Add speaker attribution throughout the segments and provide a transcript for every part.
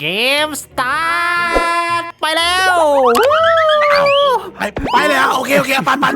Speaker 1: เกมสตาร์ทไปแล้ว
Speaker 2: ไปเลยอ่ะโอเคไป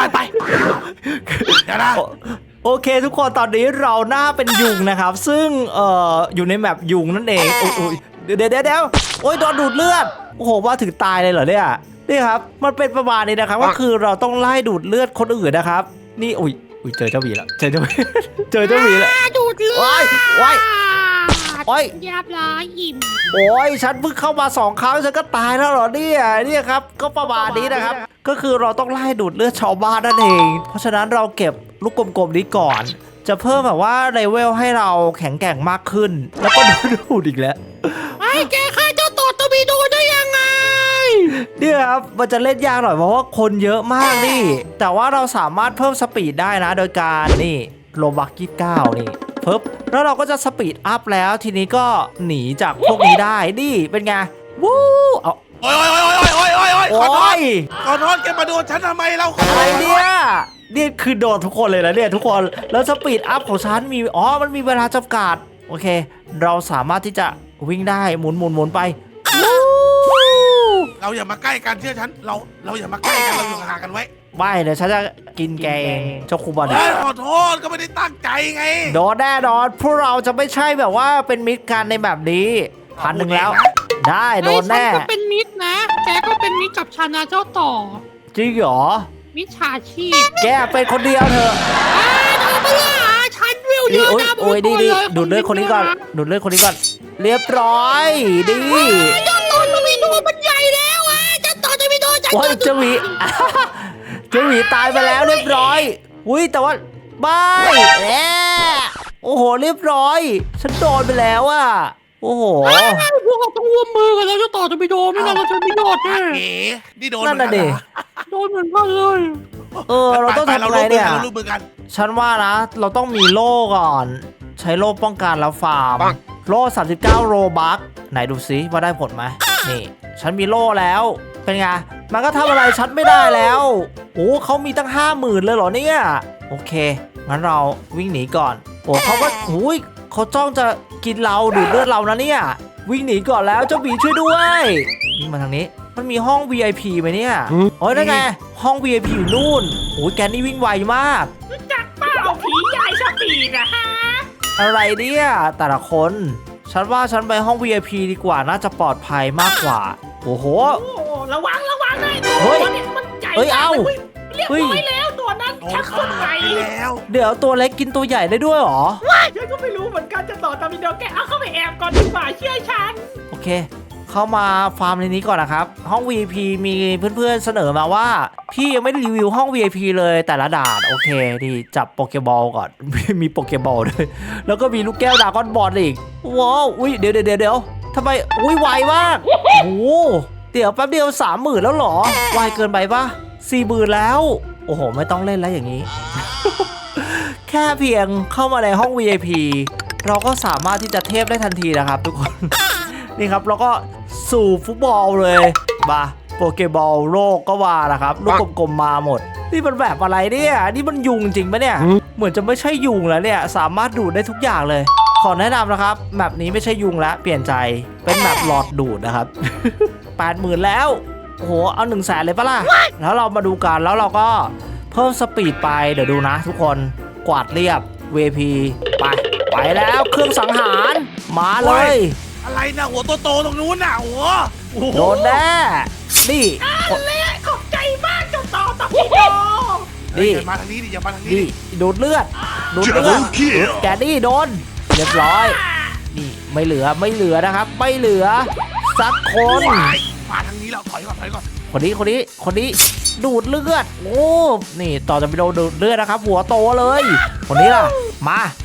Speaker 2: เดี๋ยวนะ
Speaker 1: โอเคทุกคนตอนนี้เราหน้าเป็นยุงนะครับซึ่งอยู่ในแมปยุงนั่นเองโอ้ยเดี๋ยวโอ้ยโดนดูดเลือดโอ้โหว่าถึงตายเลยเหรอเนี่ยนี่ครับมันเป็นประมาณนี้นะครับก็คือเราต้องไล่ดูดเลือดคนอื่นนะครับนี่อุ้ยเจอเจ้าหมีแล้วเจอเจ้าหมีแล้ว
Speaker 3: ดูดเลือด
Speaker 1: โอ้ย
Speaker 3: เรียบร้อยอิ่ม
Speaker 1: โอ้ยฉันเพิ่งเข้ามา2 ครั้งฉันก็ตายแล้วเหรอเนี่ยครับก็ประมาณนี้นะครับก็คือเราต้องไล่ดูดเลือดชาวบ้านนั่นเองเพราะฉะนั้นเราเก็บลูกกลมๆนี้ก่อนจะเพิ่มแบบว่าเลเวลให้เราแข็งแกร่งมากขึ้นแล้วก็ดูดอีกแล้ว
Speaker 3: ไอ้แกฆ่าเจ้าต่อตบีโดได้ยังไง
Speaker 1: เนี่ยครับมันจะเล่นยากหน่อยเพราะว่าคนเยอะมากนี่แต่ว่าเราสามารถเพิ่มสปีดได้นะโดยการนี่โลบัก29นี่เพิ่มแล้วเราก็จะสปีดอัพแล้วทีนี้ก็หนีจากพวกนี้ได้นี่เป็นไงวู้เอา
Speaker 2: โอ้ยขอโทษแกมาโดนฉันทำไมเรา
Speaker 1: อะไรเนี่ยนี่คือโดนทุกคนเลยนะเนี่ยทุกคนแล้วสปีดอัพของฉันมีมันมีเวลาจำกัดโอเคเราสามารถที่จะวิ่งได้หมุนไป
Speaker 2: เราอย่ามาใกล้กันเชื่อฉันเราอย่ามาใกล้กันเราอยู่ห่างกันไว้
Speaker 1: ไม่เดี๋ยวฉันจะกินแกเองเจ้าคูบอล
Speaker 2: ขอโทษก็ไม่ได้ตั้งใจไง
Speaker 1: โดนแน่นอนพวกเราจะไม่ใช่แบบว่าเป็นมิตรกันในแบบนี้1,000แล้วได้โดนแน่
Speaker 3: ฉันก็เป็นมิตรนะแกก็เป็นมิตรกับฉันนะเจ้าต่อ
Speaker 1: จริงเหรอ
Speaker 3: มิจฉาชีพ
Speaker 1: แกเป็นคนเดียวเถอะ
Speaker 3: เธอไม่ล่ะฉันวิวเยอะนะ
Speaker 1: โอ้ยดีดูดเลือดคนนี้ก่อนเรียบร้อยดี
Speaker 3: เจ้าต่อจะมีตัวมันใหญ่แล้วเจ้าต่อจะมีตัว
Speaker 1: โอ้ยเจ้าหมีตายไปแล้วเรียบร้อยอุ้ยแต่ว่าไม่โอ้โหเรียบร้อยฉันโดนไปแล้วอ่ะโอ้โห
Speaker 3: พวกเราต้องร่วมมือกันแล้วเจ้าต่อจะไปโดนไม่งั้นเราจะไม่โดนแน่
Speaker 2: นี่โดน
Speaker 1: นั่นน่ะดิ
Speaker 3: โดนเหมือนกันเลย
Speaker 1: เราต้องทำอะไรเนี่ยฉันว่านะเราต้องมีโล่ก่อนใช้โล่ป้องกันแล้วฟาร์มโล่39โรบัคไหนดูซิว่าได้ผลไหมนี่ฉันมีโล่แล้วเป็นไงมันก็ทำอะไรฉันไม่ได้แล้วโอ้เขามีตั้ง50,000เลยเหรอเนี่ยโอเคงั้นเราวิ่งหนีก่อนโอ้เขาก็เขาจ้องจะกินเราดูดเลือดเรานะเนี่ยวิ่งหนีก่อนแล้วเจ้าบีช่วยด้วยวิ่งมาทางนี้มันมีห้อง VIP ไหมเนี่ยโอ้ยนั่นไงห้อง VIP อยู่นู่นโอ้ยแกนี่วิ่งไวมาก
Speaker 3: รู้จักเปล่าผีใหญ่สปีดนะฮะ
Speaker 1: อะไรเนี่ยแต่ละคนฉันว่าฉันไปห้อง VIP ดีกว่าน่าจะปลอดภัยมากกว่าโอ้โห
Speaker 3: ระวังเลยตัวนี้มันใหญ่เรียบร้อยแล้วตัวนั้นชักคนใหญ่
Speaker 2: แล้ว
Speaker 1: เดี๋ยวตัวเล็กกินตัวใหญ่ได้ด้วยหรอ
Speaker 3: ฉันก็ไม่รู้เหมือนกันจะต่อตามวิดีโอแกเอาเข้าไปแอบก่อนดีกว่าเชื่อฉัน
Speaker 1: โอเคเข้ามาฟาร์มในนี้ก่อนนะครับห้อง VIP มีเพื่อนๆเสนอมาว่าพี่ยังไม่ได้รีวิวห้อง VIP เลยแต่ละด่านโอเคดีจับโปเกบอลก่อน มีโปเกบอลด้วยแล้วก็มีลูกแก้วดราก้อนบอลอีกว้าวเดี๋ยวทำไมไวมากโอ้เดี๋ยวแป๊บเดียว30,000แล้วหรอไวเกินไปปะ40,000แล้วโอ้โหไม่ต้องเล่นแล้วอย่างนี้ แค่เพียงเข้ามาในห้อง VIP เราก็สามารถที่จะเทพได้ทันทีนะครับทุกคน นี่ครับเราก็สู่ฟุตบอลเลยมาโปเกบอลโลกก็ว่านะครับลูกกลมๆมาหมดนี่มันแบบอะไรเนี่ยนี่มันยุงจริงปะเนี่ยเหมือนจะไม่ใช่ยุงแล้วเนี่ยสามารถดูดได้ทุกอย่างเลยขอแนะนำนะครับแมปนี้ไม่ใช่ยุงแล้วเปลี่ยนใจเป็นแมปหลอดดูดนะครับ 80,000แล้วโอ้โหเอา100,000เลยปะล่ะแล้วเรามาดูกันแล้วเราก็เพิ่มสปีดไปเดี๋ยวดูนะทุกคนกวาดเรียบ VP ไปแล้วเครื่องสังหารมาเลย
Speaker 2: อะไรนะหัวโตๆตรงนู้นน่ะหัว
Speaker 1: โดนแน่นี่
Speaker 3: ขอบใจมากเจ้าต่อพี่โด
Speaker 1: นี่
Speaker 2: มาทางนี้ดิอย่ามาทางนี้
Speaker 1: ดูดเลือดแกนี่โดนเรียบร้อยนี่ไม่เหลือนะครับไม่เหลือสักคน
Speaker 2: มาทางนี้แล้วถอยก่อน
Speaker 1: คนนี้ดูดเลือดโอ้นี่ต่อจะไปโดนดูดเลือดนะครับหัวโตเลยคนนี้ล่ะมา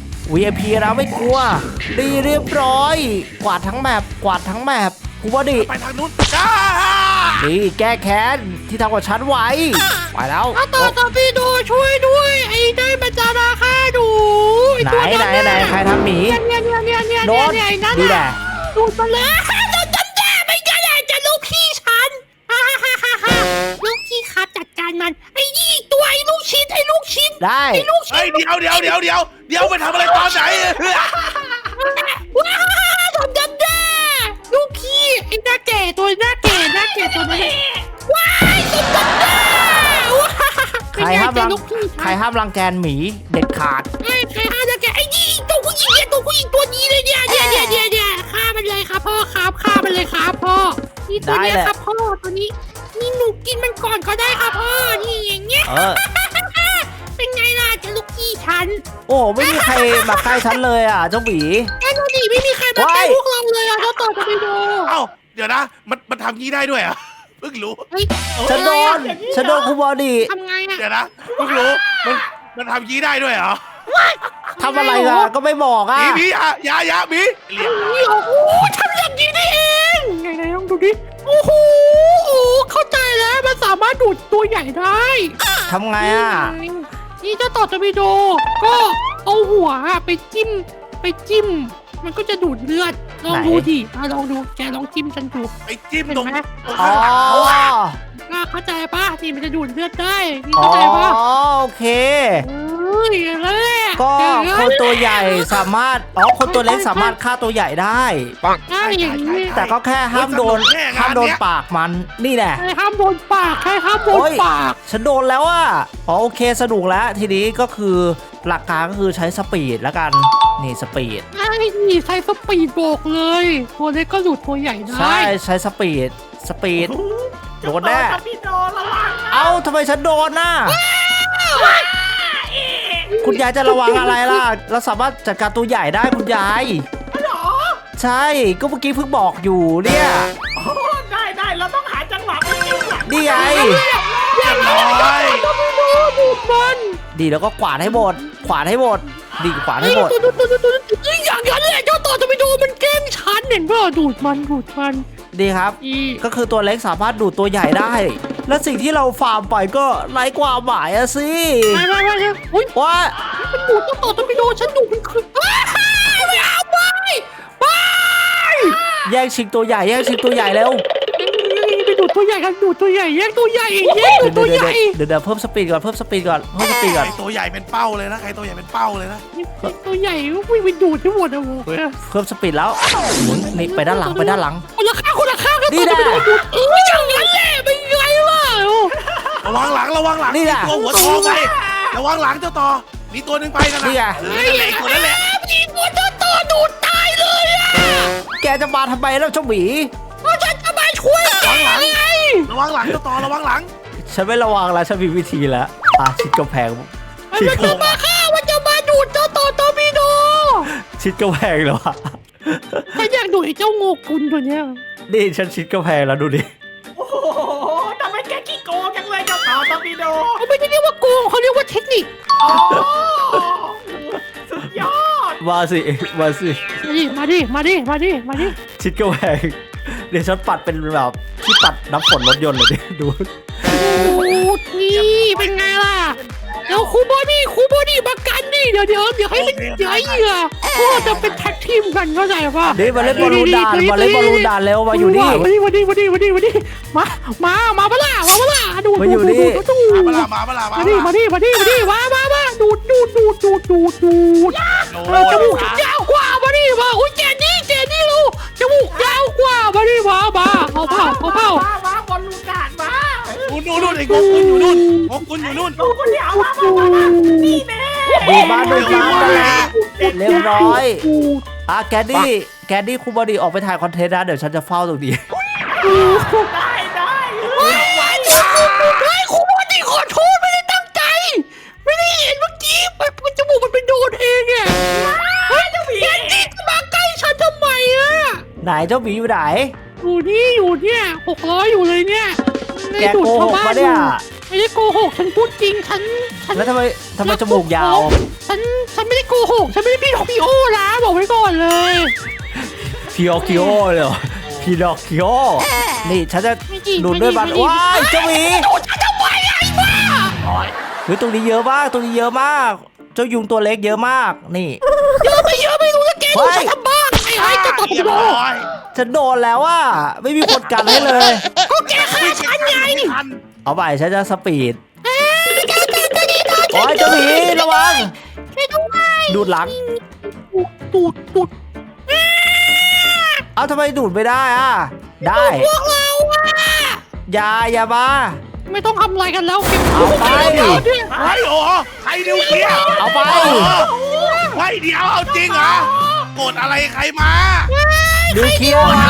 Speaker 1: VIP เราไม่กลัวดีเรียบร้อยกวาดทั้งแมปกูว่าดิ
Speaker 2: ไปทางนู้น
Speaker 1: นี่แก้แค้นที่ทำกับฉันไว้ไปแล้ว
Speaker 3: ต่อพี่ดูช่วยด้วยไอ้ได้มาจาราฆ่าดู
Speaker 1: ไหนใครทำหมีโดนดีแหละ
Speaker 3: ดูดมาเลยโดนจำได้ไม่ได้จะลูกพี่ฉันลูกพี่ครับจัดการมันไอ้ยี่ตัวไอ้ลูกชิ้น
Speaker 1: ได้
Speaker 3: ไอ้ลูกชิ้น
Speaker 2: เดี๋ยวไปทำอะไรตอนไหน
Speaker 3: ว้าวโดนจำได้ลูกพี่ตัวนี้ว้ายสมบัติว้า
Speaker 1: ใครห้ามรังแกหมีเด็ดขาด
Speaker 3: ใครห้ามรังแกไอ้นี่ตัวผู้หญิงเนี่ยตัวนี้เลยเนี่ยฆ่ามันเลยครับพ่อครับฆ่ามันเลยครับพ่อนี่ตัวนี้ครับพ่อตัวนี้นี่หนูกินมันก่อนก็ได้ครับพ่อนี่อย่างเงี้ยเป็นไงล่ะเจ้าลูกพี่ฉัน
Speaker 1: โอ้ไม่มีใครมาใกล้ฉันเลยอ่ะเจ้าหมี
Speaker 3: แค่ดูดิไม่มีใครมาใกล้พวกเราเลยอ่ะเราต่อจะไปดู
Speaker 2: เอ้าเดี๋ยวนะมันทำงี้ได้ด้วยเหรอ่ะเพิ่งรู้
Speaker 1: ฉันโดนครูบอดี้
Speaker 3: ทำไงอ่ะ
Speaker 2: เดี๋ยวนะเพิ่งรู้มันทำงี้ได้ด้วยเหรอ
Speaker 1: ทำอะไรอ่ะก็ไม่บอกอ่ะ
Speaker 2: มียามีเรียบร้อย
Speaker 3: โอ้โหทำอย่างนี้ได้เองไหนลองดูดิโอ้โหเข้าใจแล้วมันสามารถดูดตัวใหญ่ได้
Speaker 1: ทำไงอ่ะ
Speaker 3: นี่เจ้าต่อจะไปดูก็เอาหัวไปจิ้มมันก็จะดูดเลือดลองดูดิลองดูแกลองจิ้มฉันดู
Speaker 2: ไอ้จิ้ม
Speaker 3: เห็น
Speaker 2: ตรง
Speaker 3: ไหม
Speaker 1: อ๋อ
Speaker 3: เข้าใจป่ะนี่มันจะดูดเลือดได้นี่
Speaker 1: อ๋อ
Speaker 3: เข้าใจป่ะ
Speaker 1: โอเค
Speaker 3: อย่างนั้นแหละ
Speaker 1: ก็คนตัวใหญ่สามารถคนตัวเล็กสามารถฆ่าตัวใหญ่ได้
Speaker 3: ได้อย่างนี้
Speaker 1: แต่ก็แค่ห้ามโดนปากมันนี่แหละ
Speaker 3: ใครห้ามโดนปากใครห้ามโดนปาก
Speaker 1: ฉันโดนแล้วอ่ะโอเคสนุกแล้วทีนี้ก็คือหลักการก็คือใช้สปีดแล้วกันนี่สปีด
Speaker 3: ไอ้นี่ใช้สปีดโบกเลยตัวเล็กก็ดูดตัวใหญ่ได้
Speaker 1: ใช่ใช้สปีดโดนแน่เอ้าทำไมฉันโดนน่ะคุณยายจะระวังอะไรล่ะเราสามารถจัดการตัวใหญ่ได้คุณยายใช่ก็เมื่อกี้เพิ่งบอกอยู่เนี่ย
Speaker 4: ได้เราต้องหาจังหวะไปจิ้มหลัง
Speaker 1: นี่ไง
Speaker 2: เรียบร้อย
Speaker 3: ดูดมัน
Speaker 1: ดีแล้วก็กวาดให้หมดดีกวาดให้หมด
Speaker 3: ตัวอย่างนั้นแหละเจ้าต่อจะไปดูมันแกล้งฉันเห็นป่ะดูดมัน
Speaker 1: ดีครับ ก็คือตัวเล็กสามารถดูดตัวใหญ่ได้ และสิ่งที่เราฟาร์มไปก็ไร้ความหมายอะสิ
Speaker 3: ไม่อุ้ย
Speaker 1: ว่า
Speaker 3: มันดูดเจ้าต่อจะไปดูฉันดูมันคือไม่เอาไป
Speaker 1: แย่งชิงตัวใหญ่แล้ว
Speaker 3: ไปดูดตัวใหญ่กันดูดตัวใหญ่แยกตัวใหญ่ดูดตัวใหญ่
Speaker 1: เดี๋ยวเพิ่มสปีดก่อน
Speaker 2: ใครตัวใหญ่เป็นเป้าเลยนะตัวใหญ่เป็นเป้าเลยนะ
Speaker 3: ตัวใหญ่วิ่งไปดูดทั้งหมดอะโว้ย
Speaker 1: เพิ่มสปีดแล้วนี่ไปด้านหลัง
Speaker 3: คนละข้างกันตัวจะไปดูดอย่างนั้นแหละเป็นไงล่ะ
Speaker 2: ระวังหลัง
Speaker 1: นี่แหละ
Speaker 2: ตัวหัวทองไงระวังหลังเจ้าต่อมีตัวหนึ่งไปนะ
Speaker 1: นี่ไง
Speaker 2: ตัวนั่นแหละ
Speaker 3: ยิงหัวเจ้าต่อดูดตายเลยอะ
Speaker 1: แกจะมาทำไมแล้วเจ้าหมี
Speaker 3: เพราะฉันจะมาช่วยแกไง
Speaker 2: ระวังหลังเจ้าต่อระวังหลัง
Speaker 1: ฉันไม่ระวังแล้วฉันมีวิธีแล้วชิดกำแพง
Speaker 3: มันจะมาฆ่ามันจะมาดูดเจ้าต่อตอร์ปิโด
Speaker 1: ชิดกำแพงเหรอวะ
Speaker 3: ฉันอยากดูดไอ้เจ้าโงกุลตัวเนี้ย
Speaker 1: นี่ฉันชิดกำแพงแล้วดูดิ
Speaker 4: โอ้โหทำไมแกขี้โกงจังเลยเจ้าต่อตอร์ปิโด
Speaker 3: เขาไม่ได้เรียกว่าโกงเขาเรียกว่าเทคนิค
Speaker 4: โอ้สุดยอด
Speaker 1: มาสิ
Speaker 3: มาดิ
Speaker 1: ชิดกำแพงเดี๋ยวฉันปัดเป็นแบบที่ปัดน้ำฝนรถยนต์เลยดิดู
Speaker 3: ดูดนี่เป็นไงล่ะเดี๋ยวครูบอดี้มากันดิเดี๋ยวให้มันเหยื่อพวกเราจะเป็นแท็กทีมกันเข้าใจป่ะ
Speaker 1: นี่มาเล่นบอลลูนด่านแล้วมาอยู่นี่
Speaker 3: มาดิมาปะล่ะดูด
Speaker 1: มาอยู่นี่
Speaker 2: มาดิ
Speaker 3: มาดูดจมูกยาวกว่ามาดิมาอุ้ยแกนี่ลูกจมูกยาวกว่ามาดิมาเอาเผา
Speaker 4: มาบอลลูนด่านมา
Speaker 2: นู่นไอ้งกคุณอยู่นู่น
Speaker 4: ดูคนเดียวมานี่แน่
Speaker 1: ดูบ้านเรียบร้อยแกดดี้ครูบอดี้ออกไปถ่ายคอนเทนต์นะเดี๋ยวฉันจะเฝ้าตรงนี้
Speaker 4: ได้
Speaker 3: ครูบอดี้ขอโทษไม่ได้ตั้งใจไม่ได้เห็นเมื่อกี้จมูกมันไปโดนเองไงแกนี่จะมาใกล้ฉันทำไมอะ
Speaker 1: ไหนเจ้าหมีอยู่ไหน
Speaker 3: อยู่เนี่ย600อยู่เลยเนี่ย
Speaker 1: แกโกหกปะเนี่ย
Speaker 3: ไม่ได้โกหกฉันพูดจริงฉัน
Speaker 1: แล้วทำไมจมูกยาว
Speaker 3: ฉันไม่ได้โกหกฉันไม่ได้พี่โอนะบอกไว้ก่อนเลย
Speaker 1: พีออคิโอเลยเหรอพีดอกคิโอนี่ฉันจะดูดด้วยมันว้ายเจ้าหมี
Speaker 3: ดูดฉันทำไมไอ้บ้า
Speaker 1: เฮ้ยตรงนี้เยอะมากเจ้ายุงตัวเล็กเยอะมากนี่
Speaker 3: เยอะไม่รู้จะแกดูฉันทำบ้าไอ้จะตบ
Speaker 2: เรียบ
Speaker 3: โด
Speaker 2: ร้อย
Speaker 1: ฉันโดนแล้วอ่ะไม่มีคนกันให้เลย
Speaker 3: ก็แกฆ่าฉันไง
Speaker 1: เอาไปฉันจะสปีดโอ้ยเจ้าหมีระวัง
Speaker 3: ช่วยด้วย
Speaker 1: ดูดหลัง
Speaker 3: ดูด
Speaker 1: เอาทำไมดูดไม่ได้อ่ะได้
Speaker 3: พวกเราอะ
Speaker 1: อย่ามา
Speaker 3: ไม่ต้องทำอะไรกันแล้วเก็บ
Speaker 1: เอาไป
Speaker 2: ไอ้โอ้ใครนิวเคลียร์
Speaker 1: เอาไป
Speaker 2: ไว้เดี๋ยวเอาจริงเหรอโกรธอะไรใครมา
Speaker 1: นิวเคลียร์มา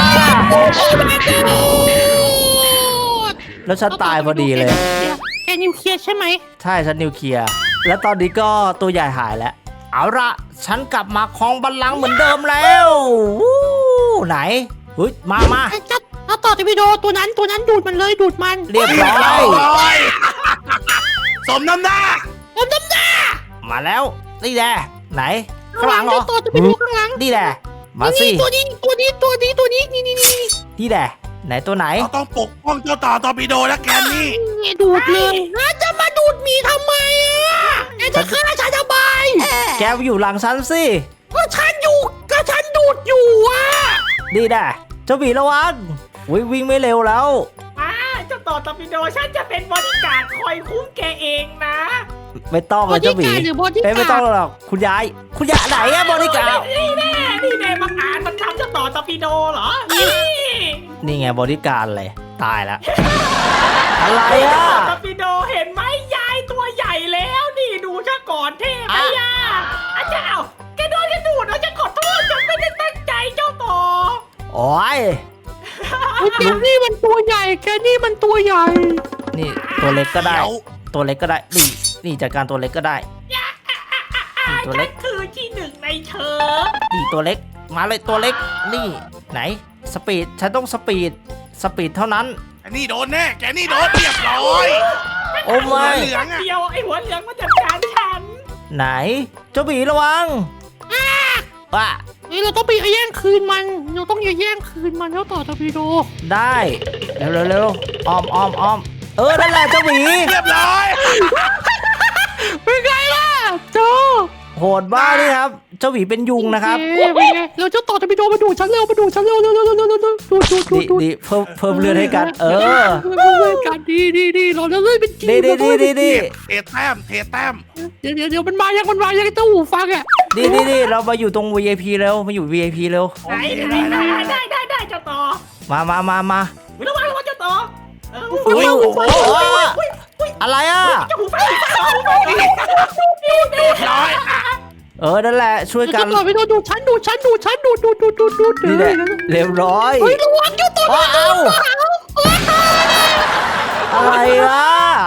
Speaker 1: แล้วฉันตายพอดีเลย
Speaker 3: แกนิวเคลียร์ใช่ไหม
Speaker 1: ใช่ฉันนิวเคลียร์แล้วตอนนี้ก็ตัวใหญ่หายแล้วเอาละฉันกลับมาครองบัลลังก์เหมือนเดิมแล้ววู้ไหนเฮ้ยมา
Speaker 3: ไอ้จัดถ้าต่อจะวิดีโอตัวนั้นดูดมันเลยดูดมัน
Speaker 1: เรียบร้อย
Speaker 2: สมน้ำหน้า
Speaker 3: ผมน้ำหน้า
Speaker 1: มาแล้วนี่แหละไหนข้างหลังเหรอ
Speaker 3: ต่อจะไปดูข้างหลัง
Speaker 1: นี่แหละมาสิ
Speaker 3: ตัวนี้นี่
Speaker 1: นี่แหละไหนตัวไหน
Speaker 2: เราต้องปกป้องเจ้าต่อตอร์ปิโดและแกนนี่
Speaker 3: นี่ดูดเลยจะมาดูดหมีทำไมอ่ะแกจะฆ่าฉันทำไม
Speaker 1: แกไปอยู่หลังฉันสิ
Speaker 3: ก็ฉันอยู่ก็ฉันดูดอยู่อ่ะ
Speaker 1: นี่แหละเจ้าหมีระวังวิ่งไม่เร็วแล้ว
Speaker 4: เจ้าต่อตอร์ปิโดฉันจะเป็นบริการดคอยคุ้มแกเองนะ
Speaker 1: ไม่ต้องเลยเจ้าหมี
Speaker 3: หรือบอดี้
Speaker 1: ไม่ต้องหรอกคุณยายไหนอะบริการ
Speaker 4: นี่แน่บังอาจมันทำเจ้าต่อตอร์ปิโดเหรอ
Speaker 1: นี่ไงบริการเลยตายแล้ว อะไรอะ
Speaker 4: ตอร์ปิโดเห็นไหมยายตัวใหญ่แล้วนี่ดูซะก่อนเท่ไหมย่าอาจารย์แกโดนกระดูดฉันขอโทษฉันไม่ได้ตั้งใจเจ้าต่อ
Speaker 1: โอ้ย
Speaker 3: แกนี่มันตัวใหญ่แกนี่มันตัวใหญ่
Speaker 1: นี่ตัวเล็กก็ได้
Speaker 2: เดี๋ยว
Speaker 1: ตัวเล็กก็ได้นี่จัดการตัวเล็กก็ได้นี่ตัว
Speaker 4: ฉั
Speaker 1: เล็
Speaker 4: น
Speaker 1: ก
Speaker 4: คือที่หนึ่งในเชิง
Speaker 1: นี่ตัวเล็กมาเลยตัวเล็กนี่ไหนสปีดฉันต้องสปีดเท่านั้น
Speaker 2: แกนี่โดนแน่แกนี่โดนเรียบร้อย
Speaker 1: โอ้ไม่
Speaker 2: เหลืองอะ
Speaker 4: เดียวไอ้หัวเหลืองมาจัดการฉัน
Speaker 1: ไหนเจ้าหมีระวังว่า
Speaker 3: เฮ้ยเราต้องไปแย่งคืนมันเราต้องแย่งคืนมันแล้วต่อตะพีโด
Speaker 1: ได้เร็วอ้อมนั่นแหละเจ้าหมี
Speaker 2: เรียบร้อย
Speaker 3: เป็นไงล่ะโจ
Speaker 1: โหดบ้ากนี่ครับเจ้าหมีเป็นยุงนะครับ
Speaker 3: เป็นไงเราจะต่อตะพีโดมาดูฉันเร็วดู
Speaker 1: ดีเพิ่มเลือดให้กัน
Speaker 3: เพื่อนกันดีเราจะเลื่อนเป็นจี
Speaker 1: ดี
Speaker 2: เทแต้ม
Speaker 3: เดี๋ยวมันมายังเจ้าหูฟังอ่ะ
Speaker 1: ดีเรามาอยู่ตรง VIP เร็วมาอยู่ VIP เร็ว
Speaker 4: ได้เจ้าต่อ
Speaker 1: มา
Speaker 4: ระวังเจ้าต่อ
Speaker 2: อุ้ยโอ้โห
Speaker 1: อะไรอ่ะ
Speaker 4: เจ้าหูฟัง
Speaker 2: เรียบร้อย
Speaker 1: นั่นแหละช่วยกัน
Speaker 3: ต่อไปดูฉันดู
Speaker 1: นี่แหละเรียบร้อย
Speaker 3: เฮ้ยระวังเจ้าต่อ
Speaker 1: อะไรอ่ะ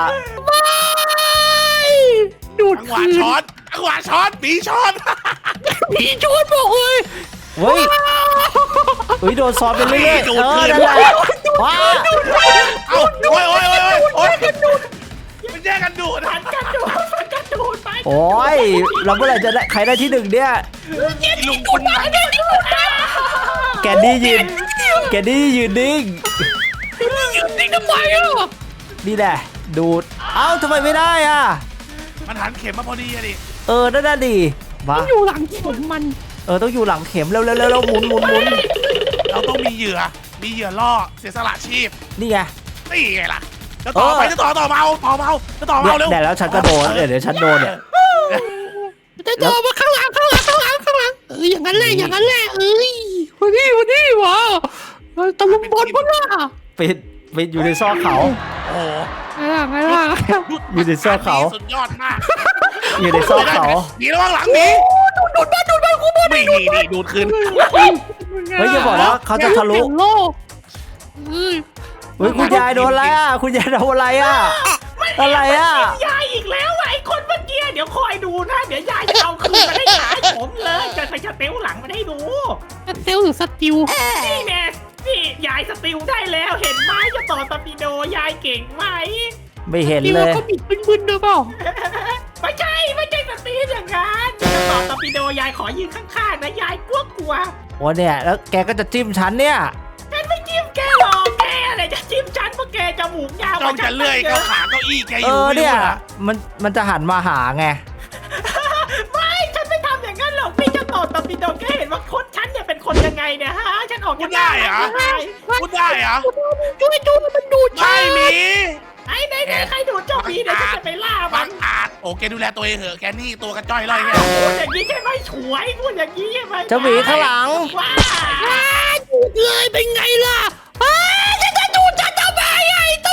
Speaker 3: ดูด
Speaker 2: จังหวะช็อตปีช็อต
Speaker 3: ผีชนบอกเลย
Speaker 1: เฮ้ยโดนซ้อนไปเรื่อยๆนั่นแหละว้า
Speaker 2: เอ้าโอ้ยมันแย่งกันดูด
Speaker 4: ผันกันดูดไป
Speaker 1: โอ้ยเราเมื่อไหร่จะได้ใครได้ที่หนึ่งเนี่ย
Speaker 2: ลุงคุณนัง
Speaker 1: แกนี่ยืนนิ่ง
Speaker 3: นี่ทำไมอ่ะ
Speaker 1: นี่แหละดูดเอ้าทำไมไม่ได้อ่ะ
Speaker 2: มันหันเข็มมาพอดีอะดิ
Speaker 1: นั่นน่ะดิมา
Speaker 3: อยู่หลังเข็มมัน
Speaker 1: ต้องอยู่หลังเข็มเร็วหมุน
Speaker 2: เราต้องมีเหยื่อล่อเสียสละชีพ
Speaker 1: นี่ไง
Speaker 2: นี่ไงล่ะจะต่อไปจะต่อเมาเร็ว
Speaker 1: เนี่ยแล้วฉันก็โดนเดี๋ยวฉันโดนเนี่ย
Speaker 3: จะเจอมาข้างหลังอย่างนั้นแหละเอ้ยวันนี้วะตะลุมบอลปะล่ะ
Speaker 1: ปิดอยู่ในซอกเขา
Speaker 2: โอ้โห
Speaker 3: ไงล่ะ
Speaker 1: อยู่ในซอกเขา
Speaker 2: สุดยอดมาก
Speaker 1: อยู่ในซอกเขา
Speaker 2: หนีระวังหลังหนีดูดกูบอลนี่ดูดคืน
Speaker 1: เฮ้ยอย่าบอกนะเขาจะทะลุ
Speaker 3: โลก
Speaker 1: เฮ้ยคุณยายโดนอะไรอ่ะคุณยายโดนอะไรอ่ะอะไรอ่ะ
Speaker 4: ยายอีกแล้วไอ้คนเมื่อกี้เดี๋ยวคอยดูนะเดี๋ยวยายจะเอาคืนมาให้ขายผมเลยจะไปสเตลหลังมาให้ดู
Speaker 3: เซลหรือสติว
Speaker 4: นี่แน่นี่ยายสติลได้แล้วเห็นไหมจะต่อตอร์ปิโดยายเก่งไหม
Speaker 1: ไม่เห็น
Speaker 3: ติว
Speaker 1: เลย
Speaker 3: ก็บิดบึนๆด้วยเปล่า
Speaker 4: ไม่ใช่สตีลอย่างนั้นจะต่อตอร์ปิโดยายขอยืนข้างๆนะยายกลัว
Speaker 1: โอ้เนี่ยแล้วแกก็จะจิ้มฉันเนี่ย
Speaker 4: ฉันไม่จิ้มแกหรอกแกอะไรจะจิ้มฉันเพราะแกจมูกยาว
Speaker 2: จ้องจะเลื่อยเข้าขาเก้าอี้แกอยู่ไม่
Speaker 1: เนี่
Speaker 2: รู้
Speaker 1: ย
Speaker 2: เหรอ
Speaker 1: มันจะหันมาหาไง
Speaker 4: ไม่ฉันไม่ทำอย่างนั้นหรอกพี่จะต่อตอร์ปิโดแกเห็นว่าคนฉันเนี่ยเป็นคนยังไงเนี่ยฮะฉันออก
Speaker 2: พูดได้เหรอ พูดได้เหรอ
Speaker 3: ช่วยดูมันดูด
Speaker 2: ไม่มี
Speaker 4: ไหนใครดูดเจ้าผีเดี๋ยวฉันจะไปล่ามั
Speaker 2: บั
Speaker 4: น
Speaker 2: งอาจโอเคดูแลตัวเองเหอะแกนี่ตัวกระจ้อยเลยแก
Speaker 4: พูดอย่างนี้ใช่ไหมฉวยพูดอย่างนี้ใช่ไหม
Speaker 1: เจ้าหมีข้างหลัง
Speaker 4: ว้า
Speaker 3: ดูดเลยเป็นไงล่ะจะดูดฉันทำไมไอ้ตั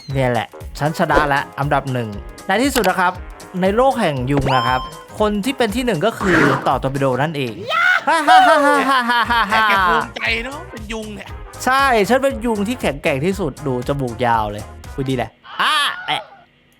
Speaker 1: เนี่ยแหละฉันชนะแล้วอันดับหนึ่งในที่สุดนะครับในโลกแห่งยุงนะครับ คนที่เป็นที่หนึ่งก็คือต่อตอร์ปิโดนั่นเองฮ่าฮ่าฮ่าฮ่าฮ่าฮ่าฮ่า
Speaker 2: แต่แกภูมิใจเนาะเป็นยุงเนี่ย
Speaker 1: ใช่ฉันเป็นยุงที่แข็งแกร่งที่สุดดูจมูกยาวเลยคุยดีแหละ